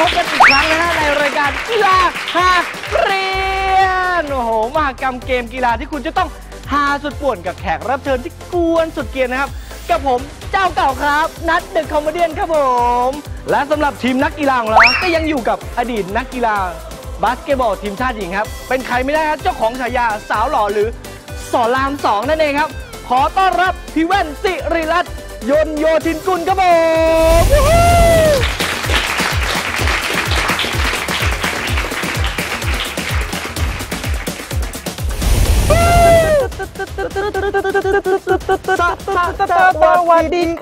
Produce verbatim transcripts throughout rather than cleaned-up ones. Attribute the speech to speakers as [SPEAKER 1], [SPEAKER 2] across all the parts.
[SPEAKER 1] พบกันอีกครั้งนะฮะในรายการกีฬาหาเรียนโอ้โหมหกรรมเกมกีฬาที่คุณจะต้องหาสุดป่วนกับแขกรับเชิญที่กวนสุดเกรียนนะครับกับผมเจ้าเก่าครับนัทเดอะคอมเมเดี้ครับผมและสำหรับทีมนักกีฬาของเราก็ยังอยู่กับอดีตนักกีฬาบาสเกตบอลทีมชาติหญิงครับเป็นใครไม่ได้ครับเจ้าของฉายาสาวหล่อหรือสอนรามสองนั่นเองครับขอต้อนรับพี่แว่นสิริรัตน์ยนต์โยธินกุลครับผมสวัสดี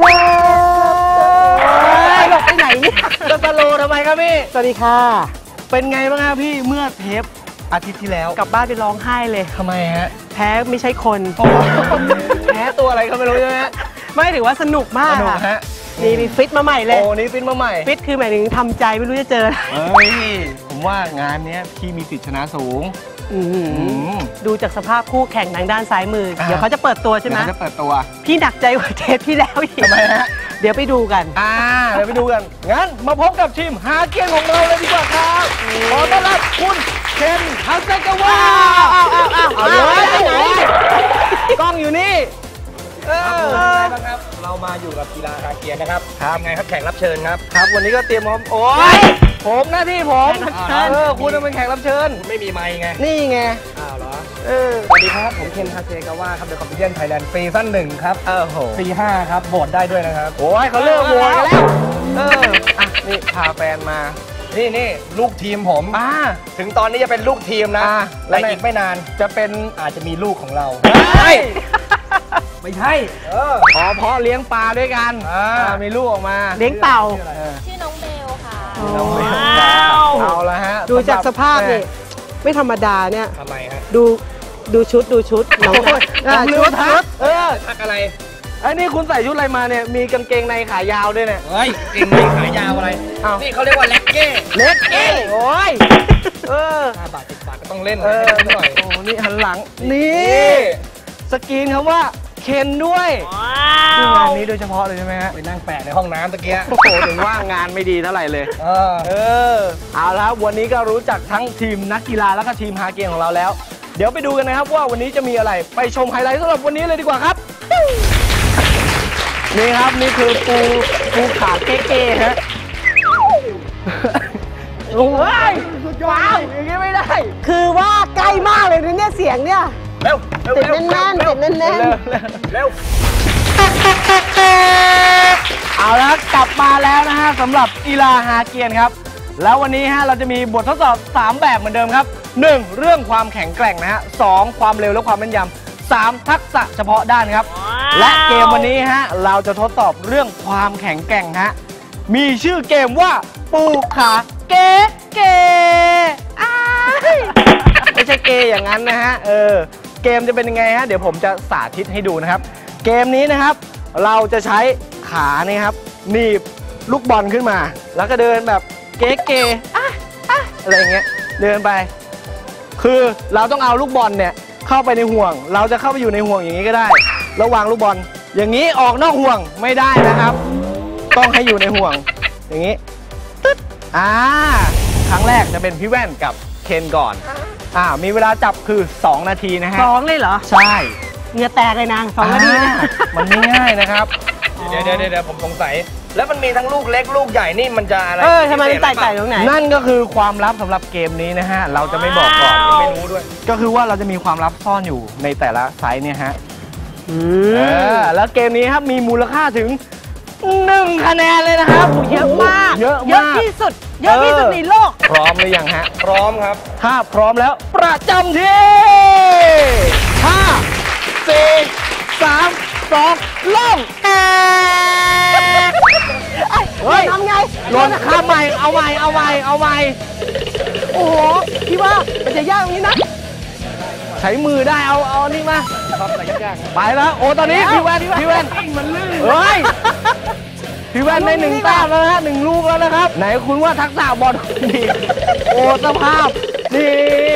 [SPEAKER 1] ครับหลบไปไหนเนี่ยจะสโลทำไมครับพี่สวัสดีค่ะเป็นไงบ้างครับพี่เมื่อเทปอาทิตย์ที่แล้ว
[SPEAKER 2] กลับบ้านไปร้องไห้เลย
[SPEAKER 1] ทำไมฮะ
[SPEAKER 2] แพ้ไม่ใช่คน
[SPEAKER 1] แพ้ตัวอะไรก็ไม่รู้ใช่ไหม
[SPEAKER 2] ไม่ถือว่าสนุกมาก
[SPEAKER 1] สนุกฮะ
[SPEAKER 2] นี่มีฟิตมาใหม่เลย
[SPEAKER 1] โอ้นี่ฟิตมาใหม่
[SPEAKER 2] ฟิตคือหมายถึงทำใจไม่รู้จะเจอ
[SPEAKER 1] เฮ้ยผมว่างานนี้พี่มีสิทธิชนะสูง
[SPEAKER 2] ดูจากสภาพคู่แข่งทางด้านซ้ายมือเดี๋ยวเขาจะเปิดตัวใช่ไหม
[SPEAKER 1] เขาจะเปิดตัว
[SPEAKER 2] พี่หนักใจกว่าเทปที่แล้วอีก
[SPEAKER 1] ทำไมฮะ
[SPEAKER 2] เดี๋ยวไปดูกัน
[SPEAKER 1] อ่าเดี๋ยวไปดูกันงั้นมาพบกับทีมหาเกียร์ของเราเลยดีกว่าครับขอต้อนรับคุณเคนฮัสเซกาวะเอาเลยไปไหนกล้องอยู่นี่
[SPEAKER 3] ครับเรามาอยู่กับกีฬาหาเกียร์นะครับทำไงครับแขกรับเชิญครับ
[SPEAKER 1] ครับวันนี้ก็เตรียมพร้อมโอ้ยผมหน้าที่ผมเออคุณเป็นแขกรับเชิญ
[SPEAKER 3] ไม่มีไมค์ไง
[SPEAKER 1] นี่ไง
[SPEAKER 3] อ้าวเหรอ
[SPEAKER 1] เออ
[SPEAKER 3] สวัสดีครับผมเคนฮาเซกาวะครับเดอะคอมเมดี้ไทยแลนด์ซีซั่นหนึ่งครับ
[SPEAKER 1] เออโห
[SPEAKER 3] ซีห้าครับโหวตได้ด้วยนะครับ
[SPEAKER 1] โอ้ยเขาเลิกโหวตกันแล้วเอออ่ะนี่พาแฟนมา
[SPEAKER 3] นี่นี่ลูกทีมผม
[SPEAKER 1] อ่า
[SPEAKER 3] ถึงตอนนี้จะเป็นลูกทีมนะและอีกไม่นานจะเป็นอาจจะมีลูกของเราไม่ใช่เออ
[SPEAKER 1] อ๋อเพาะเลี้ยงปลาด้วยกันอ่ามีลูกออกมา
[SPEAKER 2] เลี้ยงเต่า
[SPEAKER 4] ชื่อน้องเบลค่ะ
[SPEAKER 1] น้องเบลเอาละฮะ
[SPEAKER 2] ดูจากสภาพนี่ไม่ธรรมดาเนี่ย
[SPEAKER 3] ทำไมฮะ
[SPEAKER 2] ดูดูชุดดูชุดน้องชุด
[SPEAKER 1] ชุดเออ
[SPEAKER 3] ทักอะไร
[SPEAKER 1] ไอ้นี่คุณใส่ชุดอะไรมาเนี่ยมีกางเกงในขายาวด้วยเนี่ย
[SPEAKER 3] เฮ้ยกางเกงในขายาวอะไรนี่เขาเรียกว่าเล็กเก้
[SPEAKER 1] เล็กเก้โอ้ยเออ
[SPEAKER 3] ห้าบาทสิบบาทก็ต้องเล่น
[SPEAKER 1] เออหน่อยโอ้นี่หันหลังนี่สกรีนคำว่าเคนด้วยคืองานนี้โดยเฉพาะเลยใช่ไหมฮะ
[SPEAKER 3] ไปนั่งแปะในห้องน้ำตะเกีย
[SPEAKER 1] โอ้โหถึงว่างานไม่ดีเท่าไหร่เลยเออเออเอาละวันนี้ก็รู้จักทั้งทีมนักกีฬาแล้วก็ทีมฮาเกียร์ของเราแล้วเดี๋ยวไปดูกันนะครับว่าวันนี้จะมีอะไรไปชมไฮไลท์สำหรับวันนี้เลยดีกว่าครับนี่ครับนี่คือปูปูขาเก๊ๆฮะโอ้ยว้าวอย่างนี้ไม่ได้
[SPEAKER 2] คือว่าใกล้มากเลยนะเนี่ยเสียงเนี่ย
[SPEAKER 3] เร็ว
[SPEAKER 2] ติดแน่นๆติดแน่น
[SPEAKER 3] ๆเร็ว
[SPEAKER 1] เอาละกลับมาแล้วนะฮะสำหรับกีฬาฮาเกียร์ครับแล้ววันนี้ฮะเราจะมีบททดสอบสามแบบเหมือนเดิมครับหนึ่งเรื่องความแข็งแกร่งนะฮะสองความเร็วและความแม่นยำสามทักษะเฉพาะด้านครับและเกมวันนี้ฮะเราจะทดสอบเรื่องความแข็งแกร่งฮะมีชื่อเกมว่าปูขาเก๋เก๋ไม่ใช่เกย์อย่างนั้นนะฮะเออเกมจะเป็นยังไงฮะเดี๋ยวผมจะสาธิตให้ดูนะครับเกมนี้นะครับเราจะใช้ขาเนี่ยครับหนีบลูกบอลขึ้นมาแล้วก็เดินแบบเก๋เก๋อะไรอย่างเงี้ยเดินไปคือเราต้องเอาลูกบอลเนี่ยเข้าไปในห่วงเราจะเข้าไปอยู่ในห่วงอย่างนี้ก็ได้แล้ววางลูกบอลอย่างนี้ออกนอกห่วงไม่ได้นะครับต้องให้อยู่ในห่วงอย่างนี้ตึ๊ดอ่าครั้งแรกจะเป็นพี่แว่นกับเคนก่อนอ่ามีเวลาจับคือสองนาทีนะฮะ
[SPEAKER 2] สองเลยเหรอ
[SPEAKER 1] ใช่
[SPEAKER 2] เหงื่อแตกเลยนะสองนาที
[SPEAKER 1] มันไม่ง่ายนะครับ
[SPEAKER 3] เดี๋ยวเดี๋ยวเดี๋ยวผมสงสัยแล้วมันมีทั้งลูกเล็กลูกใหญ่นี่มันจะอะไร
[SPEAKER 2] เออทำไมมันแตกต่างตรงไหน
[SPEAKER 1] นั่นก็คือความลับสำหรับเกมนี้นะฮะเราจะไม่บอกก่อน
[SPEAKER 3] ไม่รู้ด้วย
[SPEAKER 1] ก็คือว่าเราจะมีความลับซ่อนอยู่ในแต่ละไซส์เนี่ยฮะอืมแล้วเกมนี้ครับมีมูลค่าถึงหนึ่งคะแนนเลยนะครับ
[SPEAKER 2] เยอะมาก
[SPEAKER 1] เยอะ
[SPEAKER 2] เยอะที่สุดเยอะที่สุดในโลก
[SPEAKER 1] พร้อมหรือยังฮะ
[SPEAKER 3] พร้อมครับ
[SPEAKER 1] ถ้าพร้อมแล้วประจำที่ห้าสี่สามสองลง
[SPEAKER 2] เฮ้ยทำไง
[SPEAKER 1] ลงข้ามใหม่เอาใหม่เอาใหม่เอาใหม่
[SPEAKER 2] โอ้โหพี่ว่ามันจะยากตรงนี้นะ
[SPEAKER 1] ใช้มือได้เอาเอานี่มา
[SPEAKER 3] ชอบอะไรยาก
[SPEAKER 1] ๆไปแล้วโอ้ตอนนี้พี่แว่นพี่แว่น
[SPEAKER 3] มันลื่น
[SPEAKER 1] เฮ้ยพี่แว่นในหนึ่งแต้มแล้วนะหนึ่งลูกแล้วนะครับไหนคุณว่าทักษะบอลดีโอ้สภาพนี่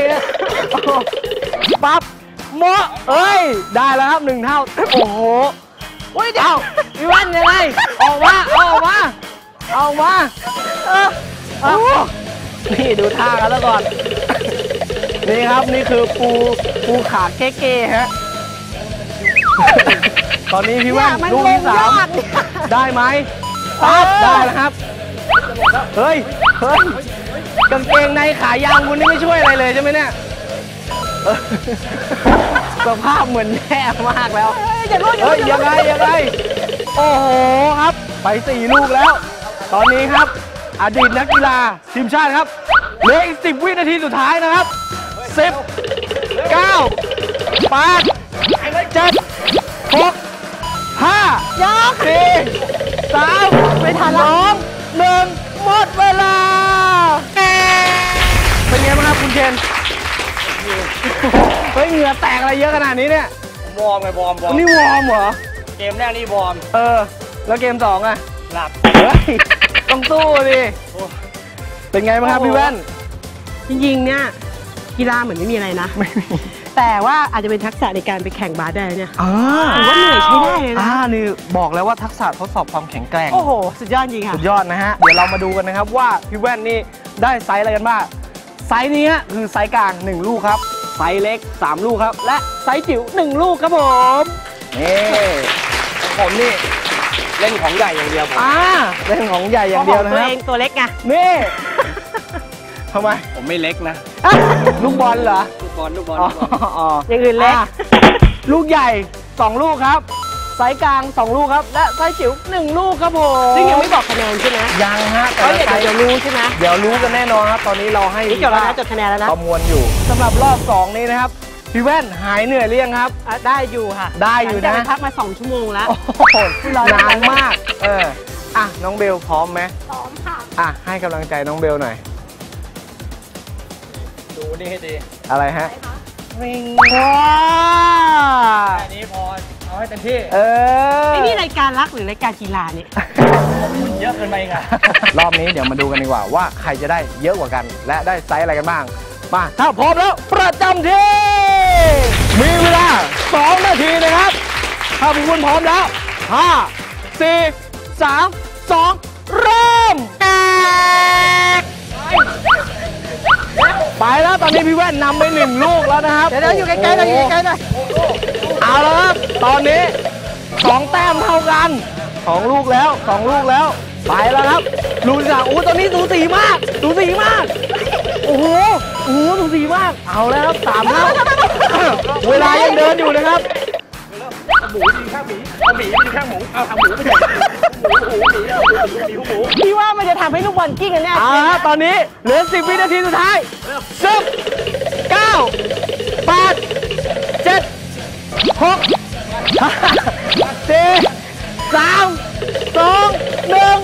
[SPEAKER 1] ปั๊บโมเอ้ยได้แล้วครับหนึ่งเท่าโอ้โหโอ้ยเดี๋ยวพี่แว่นยังไงออกมาเอาออกมาเอามาเออโอ้นี่ดูท่ากันแล้วก่อน นี่ครับนี่คือปูปูขาเก๊ๆฮะ ตอนนี้พี่แว่นลูกที่สามได้ไหมปั๊บได้แล้วครับ เฮ้ย เฮ้ย กางเกงในขายาวคุณนี่ไม่ช่วยอะไรเลยใช่ไหมเนี่ยเออสภาพเหมือนแย่มากแล้ว เฮ้ยยังไงยังไงโอ้โหครับ ไปสี่ลูกแล้ว ตอนนี้ครับ อดีตนักกีฬาทีมชาติครับเหลืออีกสิบวินาทีสุดท้ายนะครับสิบเก้าแปดเจ็ดหกห้าสี่สามไม่ทันสองหนึ่งหมดเวลาเป็นไงบ้างครับคุณเคนเฮ้ยเหงื่อแตกอะไรเยอะขนาดนี้เนี่ยว
[SPEAKER 3] อร์มไงวอร์มวอร์ม
[SPEAKER 1] นี่วอร์มเหรอ
[SPEAKER 3] เกมแรกนี่วอร์ม
[SPEAKER 1] เออ แล้วเกมสองอะ
[SPEAKER 3] หลับ
[SPEAKER 1] เฮ้ย ต้องสู้ดิเป็นไงบ้างครับพี่แว่น
[SPEAKER 2] จริงๆเนี่ยกีฬาเหมือนไม่มีอะไรนะ
[SPEAKER 1] ไม่มี
[SPEAKER 2] แต่ว่าอาจจะเป็นทักษะในการไปแข่งบาสได้เนี่ย
[SPEAKER 1] อ่า
[SPEAKER 2] ถือว่าเหนื่อยใช้ได้เลยนะ
[SPEAKER 1] อ่านี่บอกแล้วว่าทักษะทดสอบความแข็งแกร่ง
[SPEAKER 2] โอ้โห สุดยอดจริงค่ะ
[SPEAKER 1] สุดยอดนะฮะ เดี๋ยวเรามาดูกันนะครับว่าพี่แว่นนี่ได้ไซส์อะไรกันบ้าง ไซส์นี้คือไซส์กลางหนึ่งลูกครับ ไซส์เล็กสามลูกครับ และไซส์จิ๋วหนึ่งลูกครับผม นี่
[SPEAKER 3] ผมนี่เล่นของใหญ่อย่างเดียวผม
[SPEAKER 1] อ่าเล่นของใหญ่อย่างเดียวนะ
[SPEAKER 2] ตัว
[SPEAKER 1] ครับ
[SPEAKER 2] เองตัวเล็กไง
[SPEAKER 1] นี่ ทำไม
[SPEAKER 3] ผมไม่เล็กนะ
[SPEAKER 1] ลูกบอลเหรอ
[SPEAKER 3] ลูกบอลลูกบอล
[SPEAKER 1] อ๋ออ๋อ
[SPEAKER 2] อย่างอื่นเล็ก
[SPEAKER 1] ะลูกใหญ่สองลูกครับ ไซส์กลางสองลูกครับ และไซส์จิ๋วหนึ่งลูกครับผม
[SPEAKER 2] ซึ่งยังไม่บอกคะแนนใช่ไหม
[SPEAKER 1] ยังฮะแต่
[SPEAKER 2] เขา
[SPEAKER 1] ละ
[SPEAKER 2] เดี๋ยว
[SPEAKER 1] ไซส์
[SPEAKER 2] เดี๋ยวรู้ใช่ไหม
[SPEAKER 1] เดี๋ยวรู้กันแน่นอนครับ ตอนนี้เราให้
[SPEAKER 2] นี่จดแล้วนะจดคะแนนแล้วนะ
[SPEAKER 1] ประมวลอยู่สำหรับรอบสองนี้นะครับ พี่แว่นหายเหนื่อยหรือยังครับ
[SPEAKER 2] อ่ะได้อยู่ค่ะ
[SPEAKER 1] ได้อยู่นะ
[SPEAKER 2] หลังจากไปพักมาสองชั่วโมงแล้ว
[SPEAKER 1] โอ้โหนานมาก เออ อ่ะ น้องเบลพร้อมไหม
[SPEAKER 4] พร้อมค่ะ
[SPEAKER 1] อ่ะ ให้กำลังใจน้องเบลหน่อย
[SPEAKER 3] ดูนี่ให้ดี
[SPEAKER 1] อะไรฮะ
[SPEAKER 2] ริง
[SPEAKER 1] ว้า
[SPEAKER 3] แค่นี้พอเอาให้เต็มที่
[SPEAKER 1] เออ
[SPEAKER 2] ไอ้นี่รายการรักหรือรายการกีฬาเนี่ย
[SPEAKER 3] เยอะเกินไปไง
[SPEAKER 1] รอบนี้เดี๋ยวมาดูกันดีกว่าว่าใครจะได้เยอะกว่ากัน และได้ไซส์อะไรกันบ้าง มา ถ้าพร้อมแล้วประจำที่ มีเวลาสองนาทีนะครับ ถ้าพวกคุณพร้อมแล้วห้า สี่ สาม สอง เริ่ม ไปแล้วตอนนี้พี่แว่นนำไปหนึ่งลูกแล้วนะครับ
[SPEAKER 2] เดี๋ยวๆอยู่ใกล้ๆหน่อยอยู่ใกล้ๆหน่อย
[SPEAKER 1] เอาแล้วครับ ตอนนี้สองแต้มเท่ากันสองลูกแล้วสองลูกแล้ว ไปแล้วครับ ลูกที่สามโอ้ตอนนี้สูสีมากสูสีมาก โอ้โหโอ้โหสูสีมาก เอาแล้วครับสามเท่า เวลายังเดินอยู่นะครับ
[SPEAKER 3] หมูกินข้างหมีเอาหมีกินข้างหมูเอาทำหมูไม่ใช่หมูหมูหมีเอาหมูหมีหมู
[SPEAKER 2] พี่ว่ามันจะทำให้ลูกบอลกิ้งกันแน่
[SPEAKER 1] เอาละครับตอนนี้เหลือสิบวินาทีสุดท้ายสิบ เก้า แปด เจ็ด หก ห้า สี่ สาม สอง หนึ่ง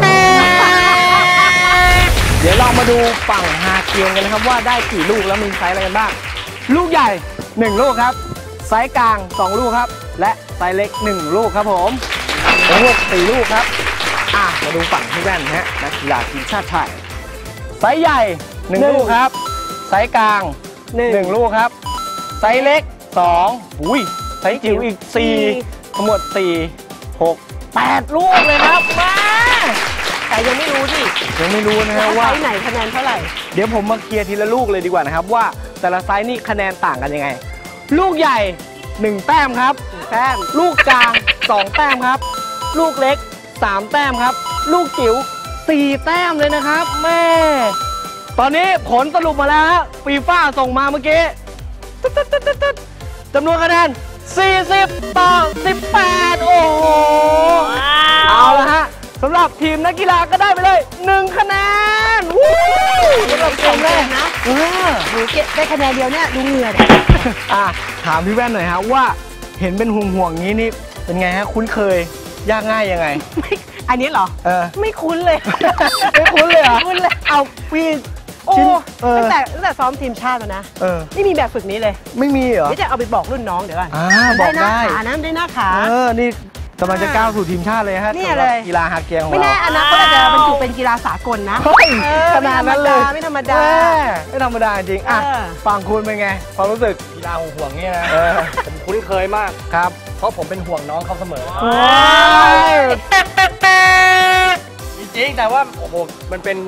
[SPEAKER 1] เดี๋ยวเรามาดูฝั่งฮาเกียงกันนะครับว่าได้กี่ลูกแล้วมีไซส์อะไรกันบ้าง ลูกใหญ่หนึ่งลูกครับ ไซส์กลางสองลูกครับ และไซส์เล็กหนึ่งลูกครับผมโอ้โหสี่ลูกครับ อ่ะมาดูฝั่งที่แว่นนะฮะนักกีฬาทีมชาติไทยไซส์ใหญ่หนึ่งลูกครับ ไซส์กลางหนึ่งลูกครับ ไซส์เล็กสองอุ้ยไซส์จิ๋วอีกสี่ทั้งหมดสี่หกแปดลูกเลยครับมา
[SPEAKER 2] แต่ยังไม่รู้ดิ
[SPEAKER 1] ยังไม่รู้นะฮะ
[SPEAKER 2] ว่า
[SPEAKER 1] ว่า
[SPEAKER 2] ไซส์ไหนคะแนนเท่าไหร่
[SPEAKER 1] เดี๋ยวผมมาเคลียร์ทีละลูกเลยดีกว่านะครับว่าแต่ละไซส์นี่คะแนนต่างกันยังไง ลูกใหญ่หนึ่งแต้มครับแต้มลูกกลางสองแต้มครับ ลูกเล็กสามแต้มครับ ลูกจิ๋วสี่แต้มเลยนะครับแม่ตอนนี้ผลสรุปมาแล้วฮะฟีฟ่าส่งมาเมื่อกี้ตึ๊ดตึ๊ดตึ๊ดตึ๊ดตึ๊ดจำนวนคะแนนสี่สิบต่อสิบแปดโอ้โหเอาละฮะสำหรับทีมนักกีฬาก็ได้ไปเลยหนึ่งคะแนนวู้สำหรับเกมแรก
[SPEAKER 2] นะ
[SPEAKER 1] เออ
[SPEAKER 2] หนูเก็บได้คะแนนเดียวเนี่ยดูเหงื่อเนี่ย
[SPEAKER 1] อ่ะถามพี่แว่นหน่อยฮะว่าเห็นเป็นห่วงห่วงๆงี้นี่เป็นไงฮะคุ้นเคยยากง่ายยังไง
[SPEAKER 2] ไม่อันนี้เหรอ
[SPEAKER 1] เออ
[SPEAKER 2] ไม่คุ้นเลย
[SPEAKER 1] ไม่คุ้นเลยเหรอ
[SPEAKER 2] ไม่คุ้นเลย
[SPEAKER 1] เอาพี่
[SPEAKER 2] โอ้
[SPEAKER 1] ชิ้นเออ
[SPEAKER 2] ตั้งแต่ตั้งแต่ซ้อมทีมชาติมานะ
[SPEAKER 1] เออ
[SPEAKER 2] ไม่มีแบบฝึกนี้เลย
[SPEAKER 1] ไม่มีเหรอ
[SPEAKER 2] เดี๋ยวจะเอาไปบอกรุ่นน้องเดี๋ยวก่อน
[SPEAKER 1] อ่าบอก
[SPEAKER 2] หน้า
[SPEAKER 1] ได้
[SPEAKER 2] ขานะได้หน้าขา
[SPEAKER 1] เออนี่กำลังจะก้าวสู่ทีมชาติเลยฮะ
[SPEAKER 2] เนี่ย
[SPEAKER 1] สำหรับ
[SPEAKER 2] เลย
[SPEAKER 1] กีฬาฮาเกียงของ
[SPEAKER 2] ไม่
[SPEAKER 1] เรา
[SPEAKER 2] แน่อนาคตอาจจะบรรจุเป็นกีฬาสากลนะ
[SPEAKER 1] เฮ้ย
[SPEAKER 2] เออ
[SPEAKER 1] ขนาดนั้นเลย
[SPEAKER 2] ไม่ธรรมดา
[SPEAKER 1] แไม่ธรรมดาจริงอ่ะ
[SPEAKER 2] เออ
[SPEAKER 1] ฟังคุณเป็นไงความรู้สึก
[SPEAKER 3] กีฬาห่วงๆเนี่ยนะ
[SPEAKER 1] เออ
[SPEAKER 3] ผมคุ้นเคยมาก
[SPEAKER 1] ครับ
[SPEAKER 3] เพราะผมเป็นห่วงน้องเขาเสมอ
[SPEAKER 1] โอ้ย
[SPEAKER 3] จริงๆแต่ว่าโอ้โหมันเป็น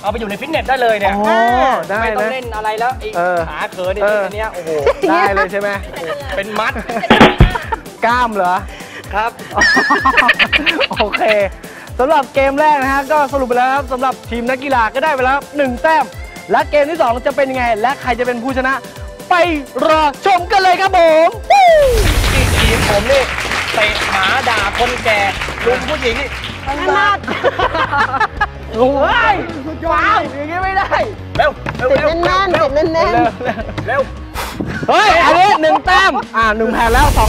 [SPEAKER 3] เอาไปอยู่ในฟิตเนสได้เลยเนี่ย
[SPEAKER 1] โอ้ได้
[SPEAKER 3] ไม่ต้อง
[SPEAKER 1] นะ
[SPEAKER 3] เล่นอะไรแล้วไอ้
[SPEAKER 1] เออ
[SPEAKER 3] ขาเขิน
[SPEAKER 1] เออ
[SPEAKER 3] อันเนี้ยโอ้โห
[SPEAKER 1] ได้เลยใช่ไหม
[SPEAKER 3] เป็นมัด
[SPEAKER 1] กล้ามเหรอ
[SPEAKER 3] ครับ
[SPEAKER 1] โอเคสำหรับเกมแรกนะฮะก็สรุปไปแล้วครับสำหรับทีมนักกีฬาก็ได้ไปแล้วหนึ่งแต้มและเกมที่สองจะเป็นยังไงและใครจะเป็นผู้ชนะ ไปรอชมกันเลยครับผม
[SPEAKER 3] ที่ทีมผมนี่เตะหมาด่าคนแก่ลุงผู้หญิงนี่
[SPEAKER 1] นัดโอ้ยว้าวอย่างงี้ไม่ได้
[SPEAKER 3] เร็วเร็วเร็ว
[SPEAKER 2] แน่นๆ
[SPEAKER 3] เร็ว
[SPEAKER 2] แน่น
[SPEAKER 1] เร็ว
[SPEAKER 3] เร็ว
[SPEAKER 1] เฮ้ยอันนี้หนึ่งแต้มอ่าหนึ่งแผ่นแล้วสอง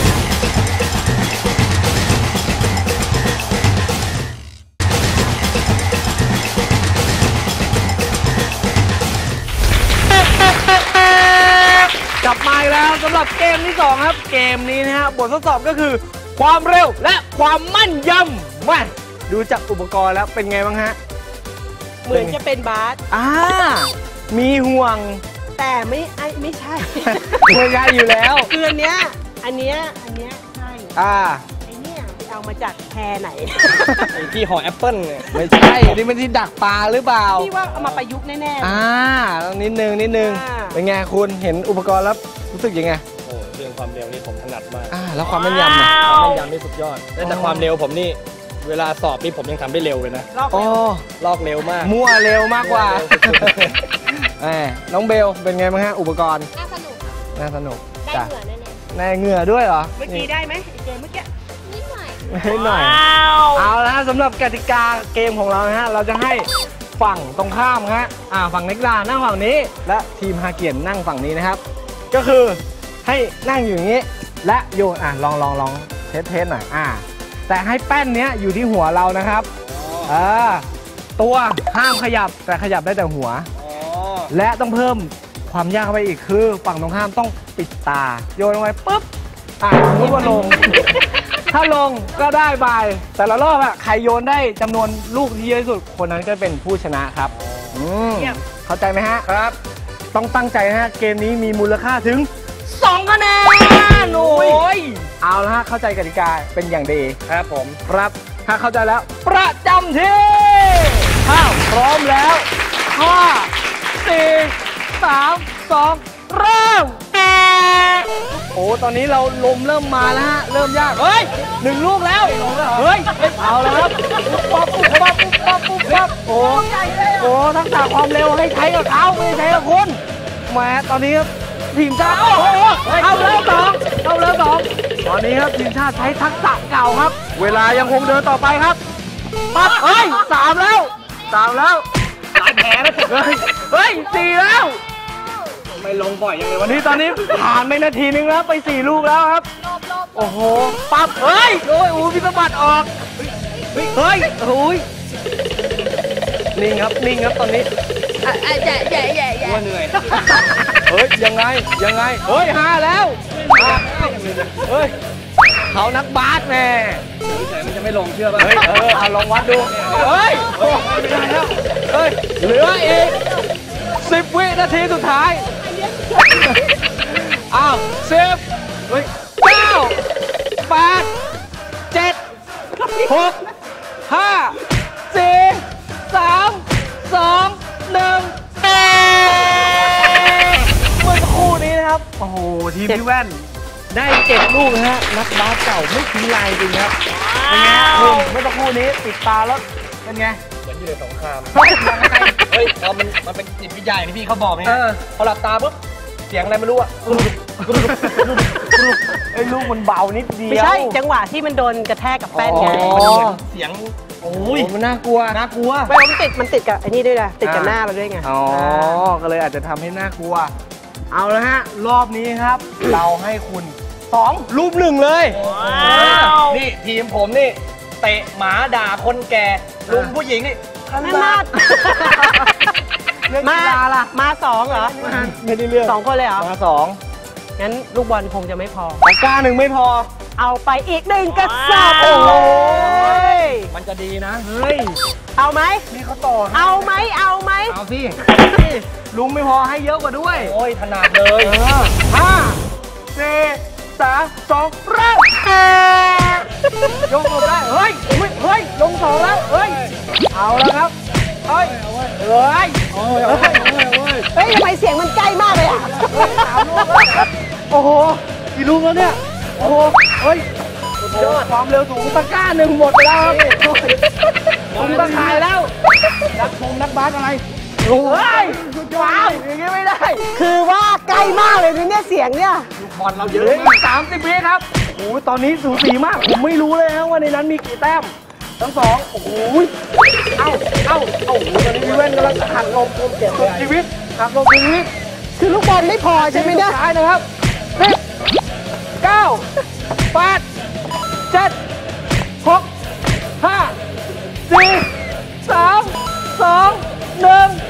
[SPEAKER 1] กลับมาอีกแล้วสำหรับเกมที่สองครับเกมนี้นะฮะบททดสอบก็คือความเร็วและความมั่นยำมาดูจากอุปกรณ์แล้วเป็นไงบ้างฮะ
[SPEAKER 2] เหมือนจะเป็นบาส
[SPEAKER 1] อ่ามีห่วง
[SPEAKER 2] แต่ไม่ไอไม่ใช่
[SPEAKER 1] ไม่ใช่อยู่แล้ว
[SPEAKER 2] คืออันเนี้ยอันเนี้ยอันเนี้ยใช่
[SPEAKER 1] อ่า
[SPEAKER 2] ไอเนี้ยไปเอามาจากแพรไหน
[SPEAKER 3] ไอ้ที่ห่อแอปเปิ้ลเนี่ย
[SPEAKER 1] ไม่ใช่นี่มันที่ดักปลาหรือเปล่า
[SPEAKER 2] พี่ว่าเอามาประยุกต์แน่ๆ
[SPEAKER 1] อ่าต้องนิดนึงนิดนึง
[SPEAKER 2] อ่า
[SPEAKER 1] เป็นไงคุณเห็นอุปกรณ์แล้วรู้สึกยังไง
[SPEAKER 3] โอ้เรื่องความเร็วนี่ผมถนัดมาก
[SPEAKER 1] อ่าแล้วความแม่นยำอ่ะ
[SPEAKER 3] ความแม่นยำนี่สุดยอดแต่แต่ความเร็วผมนี่ เวลาสอบนี่ผมยังทำได้เร็วเลยนะ
[SPEAKER 2] รอบ
[SPEAKER 1] โอ้
[SPEAKER 3] ลอกเร็วมาก
[SPEAKER 1] มั่วเร็วมากกว่า
[SPEAKER 3] มั่วเร็วสุด
[SPEAKER 1] แหมน้องเบลเป็นไงบ้างฮะอุปกรณ์
[SPEAKER 4] น่าสนุก
[SPEAKER 1] น่าสนุก
[SPEAKER 4] ได้
[SPEAKER 1] จ้ะ
[SPEAKER 4] เหงื่อแน่
[SPEAKER 1] ในเหงื่อด้วยเหรอ
[SPEAKER 2] เมื่อกี้ได้ไหมไอเกมเมื่อกี้
[SPEAKER 4] ๆนิดหน่อย
[SPEAKER 1] นิดหน่อยเอาละฮะสำหรับกติกาเกมของเรานะฮะเราจะให้ฝั่งตรงข้ามฮะอ่าฝั่งนักกีฬานั่งฝั่งนี้ และทีมฮาเกียนนั่งฝั่งนี้นะครับ ก็คือให้นั่งอยู่อย่างนี้ และโยนอ่ะลองลองลองเทสเทสหน่อยอ่าแต่ให้แป้นเนี้ยอยู่ที่หัวเรานะครับเออตัวห้ามขยับแต่ขยับได้แต่หัว
[SPEAKER 3] อ๋อ
[SPEAKER 1] และต้องเพิ่มความยากเข้าไปอีกคือฝั่งตรงข้ามต้องปิดตา โยนลงไปปุ๊บอ่ะสมมติว่าลง ถ้าลงก็ได้บายแต่ละรอบอะใครโยนได้จำนวนลูกที่เยอะที่สุดคนนั้นก็เป็นผู้ชนะครับอืมเข้าใจไหมฮะ
[SPEAKER 3] ครับ
[SPEAKER 1] ต้องตั้งใจนะฮะเกมนี้มีมูลค่าถึงสองคะแนนโอ้ยเอาละฮะเข้าใจกติกาเป็นอย่างดี
[SPEAKER 3] ครับผม
[SPEAKER 1] ครับถ้าเข้าใจแล้วประจำที่ข้าวพร้อมแล้วห้าสี่สามสองเริ่มโอ้ตอนนี้เราลมเริ่มมาแล้วฮะเริ่มยากเฮ้ยหนึ่งลูกแล้วเฮ้ยเอาแล้วครับปุ๊บปั๊บปุ๊บปั๊บปุ๊บปั๊บปุ๊บปั๊บโอ้โหทักษะความเร็วให้ใช้กับเขาไม่ใช้กับคุณแหมตอนนี้ครับทีมชาติโอ้โหเอาแล้วสองเอาแล้วสองตอนนี้ครับทีมชาติใช้ทักษะเก่าครับ เวลายังคงเดินต่อไปครับปั๊บเฮ้ยสามแล้วสามแล้วหลายแผลแล้วเฮ้ยเฮ้ยสี่แล้ว
[SPEAKER 3] ไม่ลงบ่อยยังไง
[SPEAKER 1] วั
[SPEAKER 3] วัน น
[SPEAKER 1] นี้
[SPEAKER 3] นี้
[SPEAKER 1] ตอนนี้ผ่านไปนาทีนึงแล้วไปสี่ลูกแล้วครับ
[SPEAKER 4] โลบโลบ
[SPEAKER 1] โอ้โหปั๊บเฮ้ยโอ้ยโอ้พิสบัดออกเฮ้ยเฮ้ยโอ้ยนิ่งครับนิ่งครับตอนนี้
[SPEAKER 4] ใหญ่ใหญ่ใหญ่ใหญ่
[SPEAKER 3] ว่าเหนื่อย
[SPEAKER 1] เฮ้ยยังไงยังไงเฮ้ยห้าแล้วห้าเฮ้ยเขานักบาสแน่
[SPEAKER 3] เฉยๆมันจะไม่ลงเชื่อป่ะ
[SPEAKER 1] เฮ้ยเออเอาลองวัดดูเฮ้ยโอ้ไม่ได้แล้วเฮ้ยเหลืออีกสิบวินาทีสุดท้ายอ้าวสิบเฮ้ยเก้าแปดเจ็ดหกห้าสี่สามสองหนึ่งเมื่อสักครู่นี้นะครับโอ้โหทีมพี่แว่นได้เจ็ดลูกนะฮะนักบาสเก่าไม่ทิ้งลายจริงครับเป็นไงคุณเมื่อสักครู่นี้ติดตาแล้วเป็นไง
[SPEAKER 3] เหมือนอยู่ในสงคราม
[SPEAKER 1] เฮ้ยยังไง
[SPEAKER 3] เฮ้ยพอมันมันเป็นจิตวิทยาอย่างที่พี่เขาบอกไง
[SPEAKER 1] เออ
[SPEAKER 3] พอหลับตาปุ๊บเสียงอะไรไม่รู้อะ
[SPEAKER 1] ไอ้ลูกมันเบานิดเดียว
[SPEAKER 2] ไม่ใช่จังหวะที่มันโดนกระแทกกับแป้นไง
[SPEAKER 1] อ๋อ
[SPEAKER 3] มันเหมือนเสียงโอ้
[SPEAKER 1] โอ้
[SPEAKER 3] ย
[SPEAKER 1] ยมันน่ากลัว
[SPEAKER 3] น่ากลัว
[SPEAKER 2] ไม่มันติดมันติดกับไอ้นี่ด้วยนะติดกับหน้าเราด้วยไง
[SPEAKER 1] อ๋อ ก็เลยอาจจะทำให้น่ากลัว เอาละฮะ รอบนี้ครับ เราให้คุณสองรูปหนึ่งเลย
[SPEAKER 3] นี่ทีมผมนี่เตะหมาด่าคนแก่ลุงผู้หญิงนี่ข
[SPEAKER 2] นั่น
[SPEAKER 3] นา
[SPEAKER 2] นา
[SPEAKER 3] ด
[SPEAKER 2] ด
[SPEAKER 1] เรื่อง
[SPEAKER 2] มา
[SPEAKER 1] กีฬาล่ะ
[SPEAKER 2] มาสองเหรอ
[SPEAKER 1] ไม่ได้เรื่อง
[SPEAKER 2] สองคนเลยเหรอ
[SPEAKER 1] มาสอง
[SPEAKER 2] งั้นลูกบอลคงจะไม่พอ
[SPEAKER 1] ปากกาหนึ่งไม่พอ
[SPEAKER 2] เอาไปอีกหนึ่งกระสอบ
[SPEAKER 1] โอ้โห
[SPEAKER 3] มันจะดีนะ
[SPEAKER 1] เฮ้ย
[SPEAKER 2] เอาไหม
[SPEAKER 1] นี่เขาต่อให้
[SPEAKER 2] เอาไหมเอาไหม
[SPEAKER 3] เอาสิ
[SPEAKER 1] ลุงไม่พอให้เยอะกว่าด้วย
[SPEAKER 3] โอ้ยถนัดเลย
[SPEAKER 1] เออห้าสี่สามสองเริ่มยกลงได้ เฮ้ยเฮ้ยเฮ้ย ลงสองแล้ว เฮ้ย เอาแล้วครับ เฮ้ย เอเอ้ยโอ้ยโอ้ยโอ้ย
[SPEAKER 2] เฮ้ยทำไมเสียงมันใกล้มากเลยอ่ะ
[SPEAKER 1] สามลูกแล้วโอ้โหกี่ลูกแล้วเนี่ยโอ้โหเฮ้ยยอดความเร็วสูงตะกร้าหนึ่งหมดไปแล้วผมตะขายแล้วนักชมนักบาสอะไรโอ้ยสุดยอดอย่างงี้ไม่ได้
[SPEAKER 2] คือว่าใกล้มากเลยเนี่ยเสียงเนี่ย
[SPEAKER 3] บอลเราเย
[SPEAKER 1] เห
[SPEAKER 3] อะ
[SPEAKER 1] ลือ
[SPEAKER 3] มาก
[SPEAKER 1] อีกสามสิบวิครับโอ้โหตอนนี้สูสีมากผมไม่รู้เลยนะว่าในนั้นมีกี่แต้มทั้งสองโอ้โหเอ้าเอ้าเอ้าโอ้โหตอนนี้พี่แว่นกำลังหักลมสุดชีวิตหักลมชีวิต
[SPEAKER 2] คือลูกบอลไม่พอใช่ไหมเนี่ย
[SPEAKER 1] สุดท้ายนะครับสิบเก้าแปดเจ็ดหกห้าสี่สามสองหนึ่ง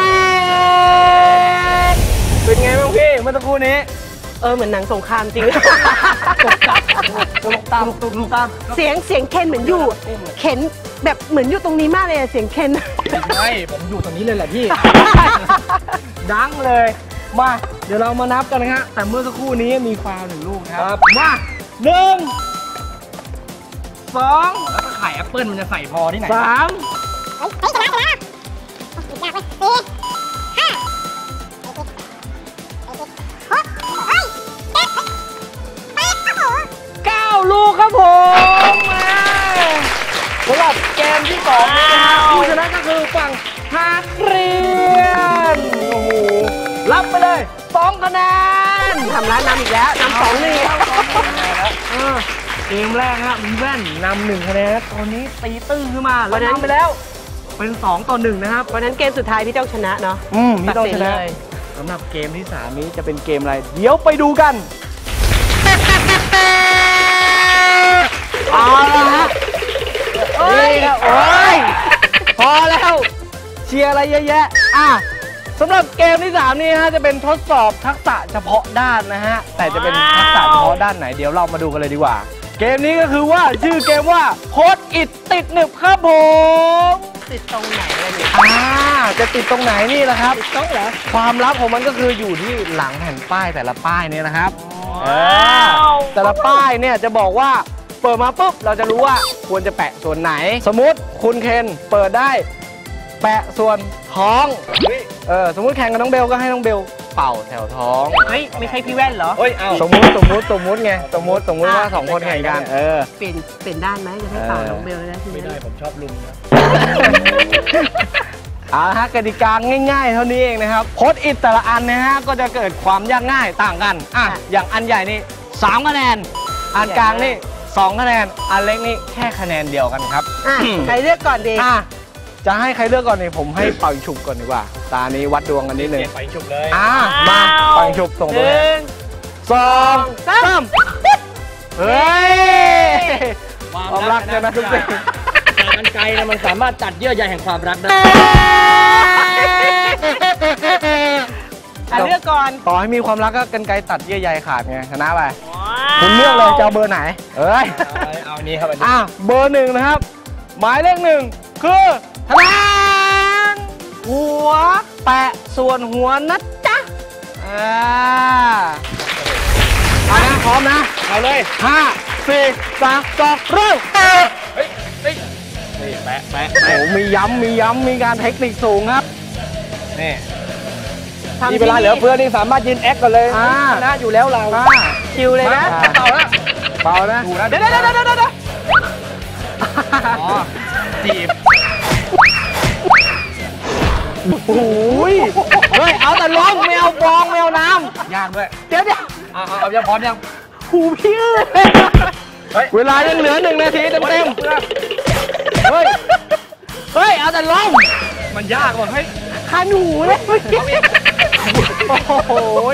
[SPEAKER 1] เป็นไงบ้างพี่เมื่อสักครู่นี้
[SPEAKER 2] เออเหมือนหนังสงครามจริง
[SPEAKER 1] ตกจับตกตามตกลูกตาม
[SPEAKER 2] เสียงเสียงเคนเหมือนอยู่ เข็นแบบเหมือนอยู่ตรงนี้มากเลยอะเสียงเคน
[SPEAKER 3] ใช่ผมอยู่ตรงนี้เลยแหละพี่
[SPEAKER 1] ดังเลย มา เดี๋ยวเรามานับกันนะฮะแต่เมื่อสักครู่นี้มีฟาวล์หนึ่งลูกนะครับ มาหนึ่งสอง
[SPEAKER 3] แล้วถ้าไข่แอปเปิลมันจะใส่พอที่ไหน
[SPEAKER 1] สาม
[SPEAKER 4] เฮ้ยชนะชนะอีกอย่างเลยสี่ห้าหกเฮ้ยเจ็ดแปดโอ้โห
[SPEAKER 1] เก้าลูกครับผมมาสำหรับเกมที่สองนี้นะครับผู้ชนะก็คือฝั่งฮาเรียนโอ้โหรับไปเลยสองคะแนน
[SPEAKER 2] ทำร้านนำอีกแล้วนำสองหนึ่ง
[SPEAKER 1] เออเกมแรกฮะมีแว่นนำหนึ่งคะแนนตอนนี้ตีตื้นขึ้นมาแล้วนำไปแล้ว เป็นสองต่อหนึ่งนะครับ
[SPEAKER 2] วันนั้นเกมสุดท้ายพี่ต้องชนะเนาะ
[SPEAKER 1] อืมพี่ต้องชนะ
[SPEAKER 2] ตัดสินเลย
[SPEAKER 1] สำหรับเกมที่สามนี้จะเป็นเกมอะไร เดี๋ยวไปดูกันเอาละฮะนี่ครับโอ้ยพอแล้วเชียร์อะไรเยอะแยะอ่ะสำหรับเกมที่สามนี้ฮะจะเป็นทดสอบทักษะเฉพาะด้านนะฮะแต่จะเป็นทักษะเฉพาะด้านไหนเดี๋ยวเรามาดูกันเลยดีกว่า เกมนี้ก็คือว่าชื่อเกมว่าโพสอิดติดหนึบครับผม
[SPEAKER 2] ติดตรงไหนเลยเนี่ย
[SPEAKER 1] อ่าจะติดตรงไหนนี่แหละครับ
[SPEAKER 2] ติดโต๊ะเหรอ
[SPEAKER 1] ความลับของมันก็คืออยู่ที่หลังแผ่นป้ายแต่ละป้ายเนี่ยนะครับเออแต่ละป้ายเนี่ยจะบอกว่าเปิดมาปุ๊บเราจะรู้ว่าควรจะแปะส่วนไหน สมมุติคุณเคนเปิดได้แปะส่วนท้องเออสมมุติแข่งกับน้องเบลก็ให้น้องเบลเป่าแถวท้อง
[SPEAKER 2] เฮ้ยไม่ใช่พี่แว่นเหรอ
[SPEAKER 3] เฮ้ย เอา
[SPEAKER 1] สมมุติสมมุติสมมุติไงสมมุติสมมุติว่าสองคนแข่งกันเออ
[SPEAKER 2] เปลี่ยนเปลี่ยนด้านไหมจะให้เป่าน้องเบลเลยนะที
[SPEAKER 3] ไม่
[SPEAKER 2] นี้
[SPEAKER 3] ได้ผมชอบลุงนะ
[SPEAKER 1] เอาละฮะกติกาง่ายๆ เท่านี้เองนะครับโพสต์อิทแต่ละอันนะฮะก็จะเกิดความยากง่ายต่างกันอ่ะอย่างอันใหญ่นี่สามคะแนนอันกลางนี่สองคะแนนอันเล็กนี่แค่คะแนนเดียวกันครับ
[SPEAKER 2] อ่ะใครเลือกก่อนดี
[SPEAKER 1] อ่ะจะให้ใครเลือกก่อนนี่ผมให้เป่าฉุบก่อนดีกว่าตานี้วัดดวงกันนิดนึง
[SPEAKER 3] เปลี่ยนไปฉุบเลย
[SPEAKER 1] อ่ะมาเป่าฉุบส่ง
[SPEAKER 2] ห
[SPEAKER 1] ตัว
[SPEAKER 2] นึ่ง
[SPEAKER 1] สองสามเฮ้ยความรักใช่ไหมทุกสิ่ง
[SPEAKER 3] มันไกลนะมันสามารถตัดเยื่อใยแห่งความรักได้
[SPEAKER 2] อ่ะเลือกก่อน
[SPEAKER 1] ต่อให้มีความรักก็กันไกรตัดเยื่อใยขาดไงชนะไปคุณเลือกเลยจะเอาเบอร์ไหนเอ้ย
[SPEAKER 3] เอาเอาอันนี้ครับอันนี้
[SPEAKER 1] อ่ะเบอร์หนึ่งนะครับ หมายเลขหนึ่งคือทนานหัวแปะส่วนหัวนะจ๊ะอ่าเอานะพร้อมนะ
[SPEAKER 3] เอาเลย
[SPEAKER 1] ห้าสี่สามสองเริ่ม
[SPEAKER 3] เฮ้ยเฮ้ยนี่แปะแปะ
[SPEAKER 1] โอ้โหมีย้ำมีย้ำมีการเทคนิคสูงครับ
[SPEAKER 3] นี่
[SPEAKER 2] ทำ
[SPEAKER 3] มีเวลาเหลือเฟือนี่สามารถยืนแอคกันเลย
[SPEAKER 1] อ่า
[SPEAKER 3] ชนะอยู่แล้วเรา
[SPEAKER 1] มา
[SPEAKER 2] คิวเลยนะ
[SPEAKER 3] มาเป่าแล้ว
[SPEAKER 1] เบานะ
[SPEAKER 3] ดูนะ
[SPEAKER 2] เดี๋ยวเดี๋ยวเดี๋ยวเดี๋ยวเดี๋ยว
[SPEAKER 3] อ๋อจีบ
[SPEAKER 1] โอ้ยเฮ้ยเอาแต่ล้มไม่เอาฟองไม่เอาน้
[SPEAKER 3] ยากด้วย
[SPEAKER 1] ำเดี๋ยวเดี๋ยว
[SPEAKER 3] เอาเอาเอายังพร้อมยัง
[SPEAKER 1] หูพี่เอ้ย
[SPEAKER 3] เฮ้ย
[SPEAKER 1] เวลายังเหลือหนึ่งนาทีเต็มเต็มๆเฮ้ย เฮ้ย เอาแต่ล้ม
[SPEAKER 3] มันยากว่ะเฮ้ย
[SPEAKER 1] คันหูเลยโอ้โห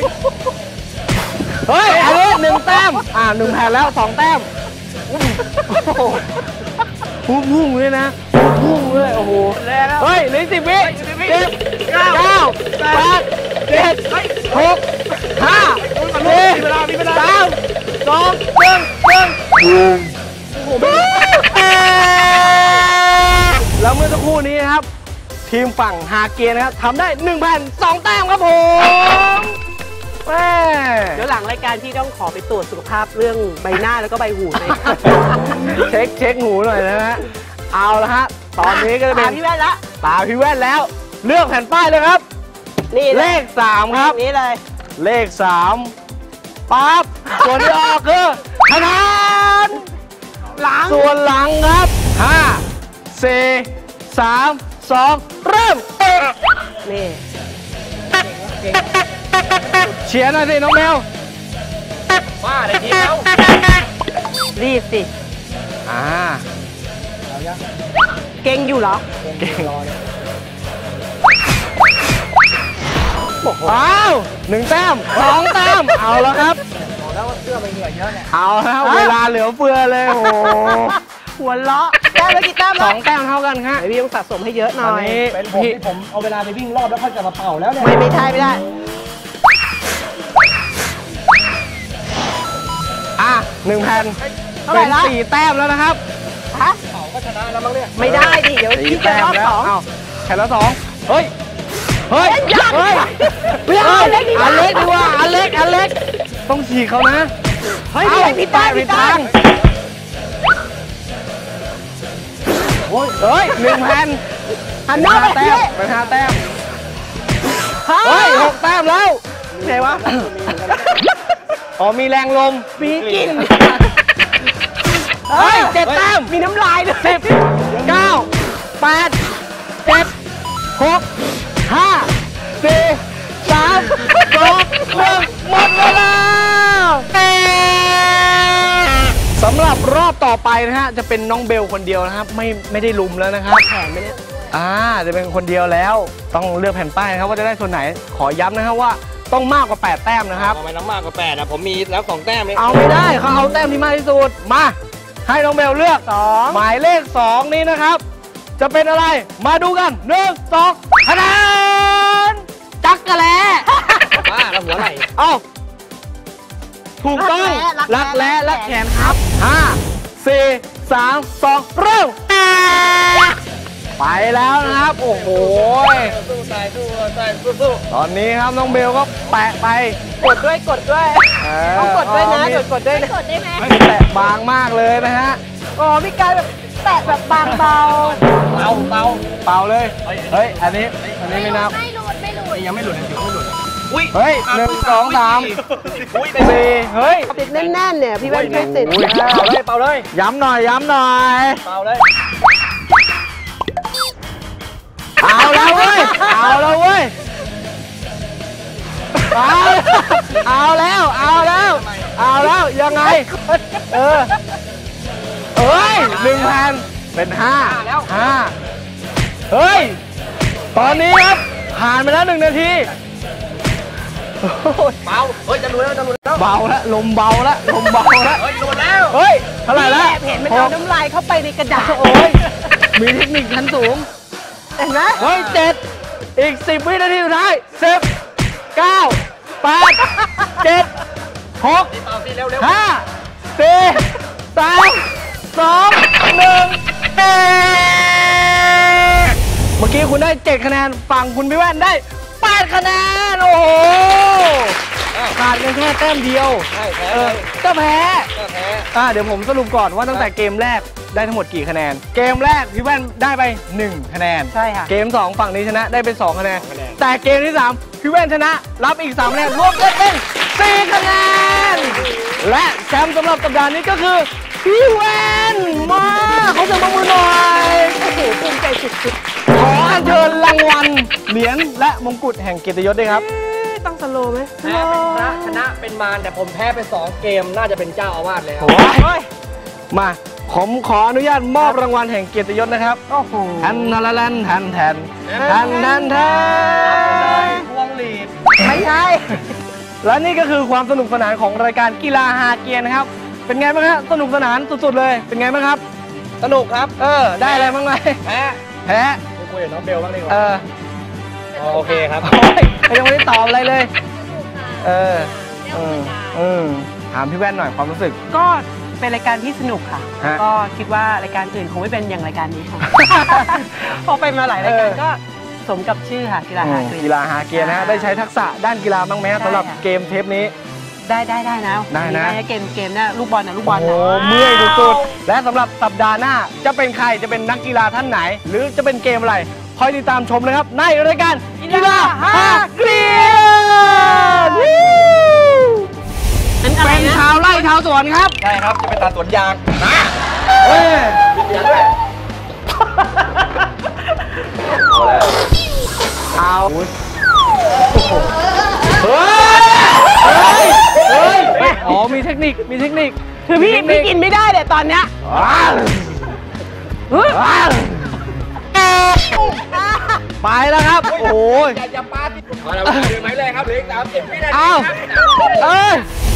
[SPEAKER 1] เฮ้ยอันนี้หนึ่งแต้ม อ่าหนึ่งแผ่นแล้วสองแต้มโอ้โหพุ่งพุ่งเลยนะพุ่งเลยโอ้โห เฮ้ยเหลือสิบวิสิบเก้าแปดเจ็ดหกห้าสี่สามสองหนึ่งหนึ่งแล้วเมื่อสักครู่นี้นะครับ ทีมฝั่งฮาเกียนะครับทำได้หนึ่งแผ่นสองแต้มครับผมแม่
[SPEAKER 2] เดี๋ยวหลังรายการที่ต้องขอไปตรวจสุขภาพเรื่องใบหน้าแล้วก็ใบหูเลย
[SPEAKER 1] เช็คเช็คหูหน่อยนะฮะเอาละฮะตอนนี้ก็จะเป็
[SPEAKER 2] ตาน พี่แว่นละ
[SPEAKER 1] ตาพี่แว่นแล้วเลือกแผ่นป้ายเลยครับ
[SPEAKER 2] นี่
[SPEAKER 1] เลขสามครับ
[SPEAKER 2] นี้เลย
[SPEAKER 1] เลขสามปั๊บส่วนที่ออกคือคะแนน
[SPEAKER 2] หลัง
[SPEAKER 1] ส่วนหลังครับห้า สี่ สาม สอง เริ่ม
[SPEAKER 2] นี่
[SPEAKER 1] เชียร์หน่อยสิน้องแมว
[SPEAKER 3] บ้าเลยทีแล้ว
[SPEAKER 2] รีบสิ
[SPEAKER 1] อ่า
[SPEAKER 2] เก่งอยู่เหรอ
[SPEAKER 1] เก่งอ้าวหนึ่งแต้มสองแต้มเอาแล้วครับ
[SPEAKER 3] บอกแล้วว่าเสื้อมันเหงื่อเยอะเนี่ย
[SPEAKER 1] เอาแล้วเวลาเหลือเฟือเลยโอ้โห
[SPEAKER 2] หัวเราะแต้มแล้วกี่แต้ม
[SPEAKER 1] ส
[SPEAKER 2] แล้
[SPEAKER 1] อ
[SPEAKER 2] ว
[SPEAKER 1] งแต้มเท่ากันครับ
[SPEAKER 2] พี่ต้องสะสมให้เยอะห
[SPEAKER 1] ต
[SPEAKER 2] น่
[SPEAKER 1] อน
[SPEAKER 2] อย
[SPEAKER 1] นี้
[SPEAKER 3] เป็นผม
[SPEAKER 1] พี่
[SPEAKER 3] ที่ผมเอาเวลาไปวิ่งรอบแล้วค่อยกลับมาเป่าแล้วเนี่ย
[SPEAKER 2] ไม่ไม่ใช่ไม่ได้
[SPEAKER 1] อ่ะหนึ่งแผ่น
[SPEAKER 2] เท่าไหร่
[SPEAKER 1] เป็น
[SPEAKER 2] ละ
[SPEAKER 1] สี่แต้มแล้วนะครับ
[SPEAKER 2] ฮะ
[SPEAKER 3] เป่าก็ชนะแล้วมั้งเนี่ย
[SPEAKER 2] ไม่ได้ดิเดี๋ยว
[SPEAKER 1] สี่
[SPEAKER 2] พี่จะ
[SPEAKER 1] แต้
[SPEAKER 2] ร
[SPEAKER 1] ม
[SPEAKER 2] อบ
[SPEAKER 1] แล้ว
[SPEAKER 2] สอง
[SPEAKER 1] เอ้าแผ่นละสองเฮ้ยเฮ้ย
[SPEAKER 2] ยาก
[SPEAKER 1] เฮ้ย
[SPEAKER 2] ไม่เอาอันเล็กดีกว่า
[SPEAKER 1] อันเล็กดีกว่าอันเล็กอันเล็กต้องฉีกเขานะ
[SPEAKER 2] เฮ้ย
[SPEAKER 1] เอ้า
[SPEAKER 2] ผิดด้าน
[SPEAKER 1] ผิ
[SPEAKER 2] ผิ
[SPEAKER 1] ด
[SPEAKER 2] ด
[SPEAKER 1] ทา
[SPEAKER 2] ด้าง น
[SPEAKER 1] โอ้ยเฮ้ยหนึ่งแผ่น
[SPEAKER 2] หันหน้าไป
[SPEAKER 1] แต้
[SPEAKER 2] พี่
[SPEAKER 1] มเป็นห้าแต้ม
[SPEAKER 2] ฮะ
[SPEAKER 1] เฮ้ยหกแต้มแล้ว
[SPEAKER 2] ไหนวะ
[SPEAKER 1] อ๋อมีแรงลม
[SPEAKER 2] มีกลิ่น
[SPEAKER 1] เฮ้ยเจ็ดแต้ม
[SPEAKER 2] มีน้ำลายด้วย
[SPEAKER 1] สิบเก้าแปดเจ็ดหกห้าสี่สามสองหนึ่งหมดเวลาสำหรับรอบต่อไปนะฮะจะเป็นน้องเบลคนเดียวนะครับไม่ไม่ได้ลุมแล้วนะครับ
[SPEAKER 2] แผนไหมเนี่ย
[SPEAKER 1] อ่าจะเป็นคนเดียวแล้วต้องเลือกแผ่นป้ายนะครับว่าจะได้ส่วนไหนขอย้ำนะครับว่าต้องมากกว่าแปดแต้มนะครับ
[SPEAKER 3] ทำไมน้องมากกว่าแปดอ่ะผมมีแล้วสองแต้มเอง
[SPEAKER 1] เอาไม่ได้เขาเอาแต้มที่มากที่สุดมาให้น้องเบลเลือก
[SPEAKER 2] สอง
[SPEAKER 1] หมายเลขสองนี้นะครับ จะเป็นอะไรมาดูกันหนึ่งสองคะแนนจักกะแล
[SPEAKER 3] บ้าแล้วหัวไหล่
[SPEAKER 1] เอ้าถูกต้องรักแร้รักแขนครับห้าสี่สามสองเริ่มไปแล้วนะครับโอ้โห
[SPEAKER 3] สู้ตายสู้ตายสู้สู้
[SPEAKER 1] ตอนนี้ครับน้องเบลก็แปะไป
[SPEAKER 2] กดด้วยกดด้วย
[SPEAKER 1] เ
[SPEAKER 2] ต้องกดด้วยนะ
[SPEAKER 1] มี
[SPEAKER 2] กดกดด้วยนะ
[SPEAKER 4] กดได้ไหม
[SPEAKER 1] แตะบางมากเลยนะฮะ
[SPEAKER 2] อ๋อมีการแบบแตะแบบบางเบา
[SPEAKER 3] เป่าเป่า
[SPEAKER 1] เป่าเลย เฮ้ย อันนี้ อันนี้ไม่นับ
[SPEAKER 4] ไม่หลุดไม่หลุด
[SPEAKER 3] ยังไม่หลุดนะจิ๋วไม่หลุดอุ้ย
[SPEAKER 1] เฮ้ยหนึ่งสองสาม
[SPEAKER 3] อุ้ย
[SPEAKER 1] สี่เฮ้ย
[SPEAKER 2] ติดแน่นๆเนี่ยพี่แว่นช่วยติด
[SPEAKER 1] อุ้ย
[SPEAKER 3] เป่าเลยเป่าเลย
[SPEAKER 1] ย้ำหน่อย ย้ำหน่อย
[SPEAKER 3] เป่าเลย
[SPEAKER 1] เอาแล้วเว้ย เอาแล้วเว้ย เอาเอาแล้ว เอาแล้ว เอาแล้ว ยังไง เออเอ้ยหนึ่งแผ่นเป็นห้าห้าเฮ้ย ตอนนี้ครับ ผ่านไปแล้วหนึ่งนาที
[SPEAKER 3] เป่าเฮ้ยจะหลุดแล้วจะหลุดแล้ว
[SPEAKER 1] เบาแล้วลมเบาแล้วลมเบาแล้ว
[SPEAKER 3] เฮ้ยหลุดแล้ว
[SPEAKER 1] เฮ้ย เท่าไหร่แล้ว
[SPEAKER 2] เห็นมันเอาน้ำลายเข้าไปในกระดาษ
[SPEAKER 1] โอ้ย มีเทคนิคชั้นสูง
[SPEAKER 2] เห็นไหม
[SPEAKER 1] เฮ้ยเจ็ดอีกสิบวินาทีสุดท้ายสิบเก้าแปดเจ็ดหก
[SPEAKER 3] เป่าสิเร็วเร็ว
[SPEAKER 1] ห้าสี่สามสองหนึ่งเมื่อกี้คุณได้เจ็ดคะแนนฝั่งคุณพี่แว่นได้แปดคะแนน โอ้โหขาดกันแค่แต้มเดียว
[SPEAKER 3] ใช่แพ้
[SPEAKER 1] เออก็แพ้
[SPEAKER 3] ก็แพ้
[SPEAKER 1] อ่าเดี๋ยวผมสรุปก่อนว่าตั้งแต่เกมแรกได้ทั้งหมดกี่คะแนน เกมแรกพี่แว่นได้ไปหนึ่งคะแนน
[SPEAKER 2] ใช่ค่ะ
[SPEAKER 1] เกมสองฝั่งนี้ชนะได้ไปสองคะแนน แต่เกมที่สามพี่แว่นชนะรับอีกสามคะแนนรวมกันเป็นสี่คะแนน และแชมป์สำหรับสัปดาห์นี้ก็คือพี่แว่นมาเขาจะมามือหน่อยโอ้โหภูมิใจสุดๆขออัญเชิญรางวัลเหรียญและมงกุฎแห่งเกียรติยศด้วยครับ
[SPEAKER 2] เอ๊ะต้องสโลว์ไหม
[SPEAKER 3] แพ้เป็นชนะชนะเป็นมารแต่ผมแพ้ไปสองเกมน่าจะเป็นเจ้าอาวาสเลยครับ
[SPEAKER 1] โอ้ยมาผมขออนุญาตมอบรางวัลแห่งเกียรติยศนะครับ
[SPEAKER 2] โอ้โห
[SPEAKER 1] แทนทาราแลนแทนแทนแทนแทนแทน
[SPEAKER 3] พวงหลีด
[SPEAKER 2] ไม่ใช่
[SPEAKER 1] และนี่ก็คือความสนุกสนานของรายการกีฬาฮาเกียร์นะครับ เป็นไงบ้างฮะสนุกสนานสุดๆเลย เป็นไงบ้างครับ
[SPEAKER 3] สนุกครับ
[SPEAKER 1] เออ ได้อะไรบ้างไหม
[SPEAKER 3] แพ้
[SPEAKER 1] แพ้
[SPEAKER 3] คุยกับน้องเบลบ้างดีก
[SPEAKER 1] เอ
[SPEAKER 3] ว่า
[SPEAKER 1] อ
[SPEAKER 3] โอเคครับ
[SPEAKER 1] โอ้ยยังไม่ได้ตอบอะไรเลย เออเออเออถามพี่แว่นหน่อยความรู้สึก
[SPEAKER 2] ก็เป็นรายการที่สนุกค่ะ
[SPEAKER 1] ฮะ
[SPEAKER 2] ก็คิดว่ารายการอื่นคงไม่เป็นอย่างรายการนี้ ค่ะ พอไปมาหลายรายการ
[SPEAKER 1] เออ
[SPEAKER 2] ก็สมกับชื่อค่ะกีฬาฮาเกรียน
[SPEAKER 1] กีฬาฮาเกียร์นะฮะ ได้ใช้ทักษะด้านกีฬาบ้างไหมฮะ
[SPEAKER 2] ใช่
[SPEAKER 1] สำหรับ
[SPEAKER 2] ค่ะ
[SPEAKER 1] เกมเทปนี้
[SPEAKER 2] ได้ได้ได้นะ
[SPEAKER 1] ได้นะ
[SPEAKER 2] เกมเกมเนี่ยลูกบอลนะลูกบอล
[SPEAKER 1] โอ้
[SPEAKER 2] นะ
[SPEAKER 1] โหเมื่อยสุดๆและสำหรับสัปดาห์หน้าจะเป็นใครจะเป็นนักกีฬาท่านไหน หรือจะเป็นเกมอะไร คคอยติดตามชมนะครับ ในรายการกีฬาฮาเกรียน
[SPEAKER 2] เป็นอะไร
[SPEAKER 1] เป็น
[SPEAKER 2] นะ
[SPEAKER 1] ชาวไร่ชาวสวนครับ
[SPEAKER 3] ใช่ครับ จะไปตัดสวนยางนะ
[SPEAKER 1] เฮ้ย
[SPEAKER 3] มีเสียงด้วย
[SPEAKER 1] เอาเฮ้ยเฮ้ยเฮ้ยอ๋อมีเทคนิคมีเทคนิค
[SPEAKER 2] คือพี่พี่กินไม่ได้เนี่ยตอนเนี้ย
[SPEAKER 1] ว้าวว้าวไปแล้วครับ โอ้ย
[SPEAKER 3] อย่าอย่าปาติดมาแล้วเดินไหมเลยครับเหลืออีกสามสิบวินาที
[SPEAKER 1] เอา
[SPEAKER 3] ครับ
[SPEAKER 1] เอ้ย